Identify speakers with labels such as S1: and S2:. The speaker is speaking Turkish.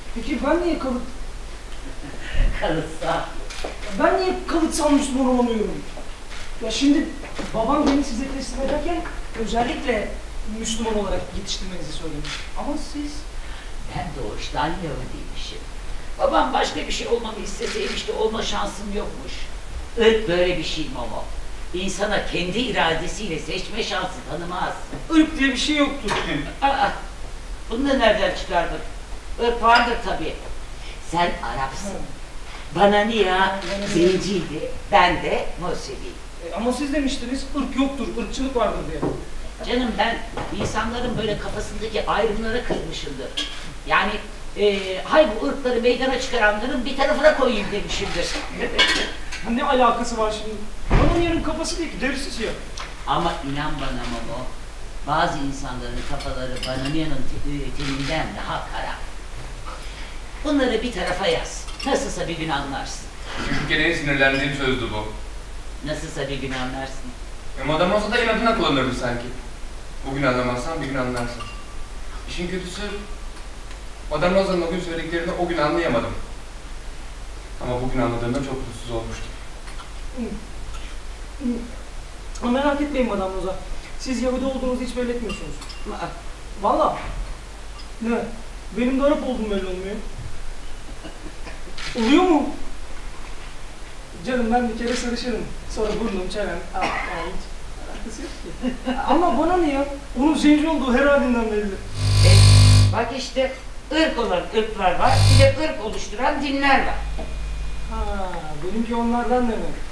S1: Peki ben niye
S2: Kalıtsal.
S1: Ben niye kalıtsal Müslüman olamıyorum? Ya şimdi babam beni size teslim ederken özellikle Müslüman olarak yetiştirmenizi söylemiş. Ama siz...
S2: Ben doğuştan Yahudiymişim. Babam başka bir şey olmamı isteseymiş de olma şansım yokmuş. Irk böyle bir şey Momo. İnsana kendi iradesiyle seçme şansı tanımaz.
S1: Irk diye bir şey yoktur.
S2: Aa, bunu da nereden çıkardın? Irk vardır tabii. Sen Arapsın. Bananiya zenciydi, ben de Musevi.
S1: Ama siz demiştiniz ırk yoktur, ırkçılık vardır diye.
S2: Canım ben insanların böyle kafasındaki ayrımlara kırmışımdır. Yani hay bu ırkları meydana çıkaranların bir tarafına koyayım demişimdir.
S1: Ne alakası var şimdi? Bananiya'nın kafası değil ki, derisi siyah.
S2: Ama inan bana Momo, bazı insanların kafaları Bananiya'nın teninden daha kara. Bunları bir tarafa yaz. Nasılsa bir gün anlarsın.
S3: Çünkü en sinirlendiğim sözdü bu.
S2: Nasılsa bir gün anlarsın.
S3: Madem olsa da inadına kullanırdı sanki. Bugün anlamazsan bir gün anlarsın. İşin kötüsü, Madame Rosa'nın o gün söylediklerini o gün anlayamadım. Ama bugün anladığımda çok mutsuz olmuştum.
S1: Ama merak etmeyin Madame Rosa. Siz Yahudi olduğunuzu hiç belli etmiyorsunuz. Valla. Ne? Benim de Arap olduğum belli olmuyor. Oluyor mu? Canım ben bir kere sarışırım. Sonra burnum, çenem. Hiç alakası yok ki. Ama bana ne ya? Onun zenci olduğu her halinden belli.
S2: Bak işte ırk olan ırklar var, bir de ırk oluşturan dinler var.
S1: Ha, benimki onlardan demek.